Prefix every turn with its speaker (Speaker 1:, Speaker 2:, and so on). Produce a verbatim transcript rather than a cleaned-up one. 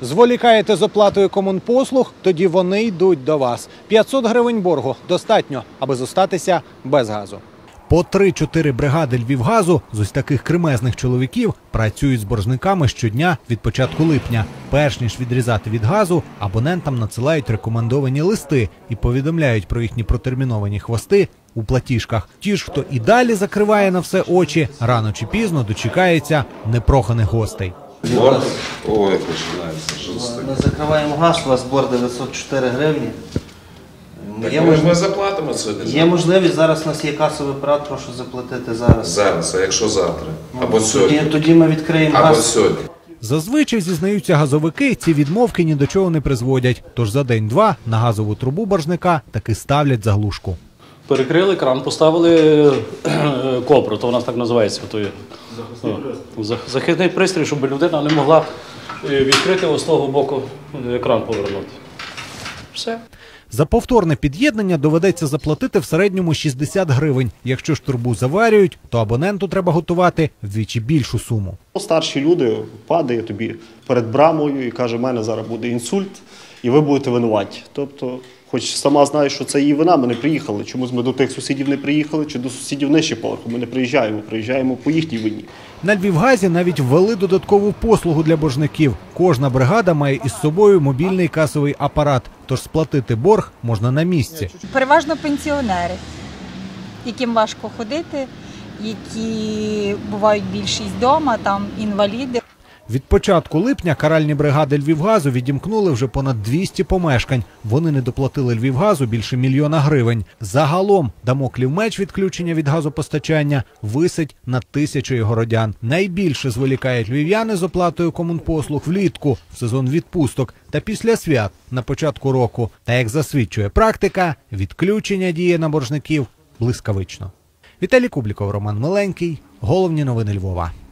Speaker 1: Зволікаєте з оплатою комунпослуг, тоді вони йдуть до вас. п'ятсот гривень боргу достатньо, аби зостатися без газу. По три-чотири бригади Львівгазу з ось таких кремезних чоловіків працюють з боржниками щодня від початку липня. Перш ніж відрізати від газу, абонентам надсилають рекомендовані листи і повідомляють про їхні протерміновані хвости у платіжках. Ті ж, хто і далі закриває на все очі, рано чи пізно дочекається непроханих гостей.
Speaker 2: Борг? Ой, починається. Що це таке?
Speaker 3: Ми закриваємо газ, у вас борг дев'ятсот чотири гривні.
Speaker 2: Так
Speaker 3: Є,
Speaker 2: ми,
Speaker 3: мож...
Speaker 2: ми заплатимо сьогодні.
Speaker 3: Є можливість, зараз у нас є касовий апарат, прошу заплатити зараз.
Speaker 2: Зараз, а якщо завтра? Або
Speaker 3: Тоді,
Speaker 2: сьогодні?
Speaker 3: тоді ми відкриємо
Speaker 2: Або
Speaker 3: газ.
Speaker 2: сьогодні.
Speaker 1: Зазвичай, зізнаються газовики, ці відмовки ні до чого не призводять. Тож за день-два на газову трубу боржника таки ставлять заглушку.
Speaker 4: Перекрили кран, поставили копру, то у нас так називається. То є, о, захисний пристрій, щоб людина не могла відкрити ось з того боку кран повернути. Все.
Speaker 1: За повторне під'єднання доведеться заплатити в середньому шістдесят гривень. Якщо ж трубу заварюють, то абоненту треба готувати вдвічі більшу суму.
Speaker 5: Старші люди падає тобі перед брамою і каже, в мене зараз буде інсульт, і ви будете винуваті. Тобто, хоч сама знаєш, що це її вина, ми не приїхали. Чомусь ми до тих сусідів не приїхали, чи до сусідів нижче поверху. Ми не приїжджаємо, приїжджаємо по їхній вині.
Speaker 1: На Львівгазі навіть ввели додаткову послугу для боржників. Кожна бригада має із собою мобільний касовий апарат, тож сплатити борг можна на місці.
Speaker 6: Переважно пенсіонери, яким важко ходити, які бувають більшість вдома, там інваліди.
Speaker 1: Від початку липня каральні бригади Львівгазу відімкнули вже понад двісті помешкань. Вони не доплатили Львівгазу більше мільйона гривень. Загалом дамоклів меч відключення від газопостачання висить над тисячою городян. Найбільше зволікають львів'яни з оплатою комунпослуг влітку, в сезон відпусток та після свят на початку року. Та, як засвідчує практика, відключення діє на боржників блискавично. Віталій Кубліков, Роман Миленький. Головні новини Львова.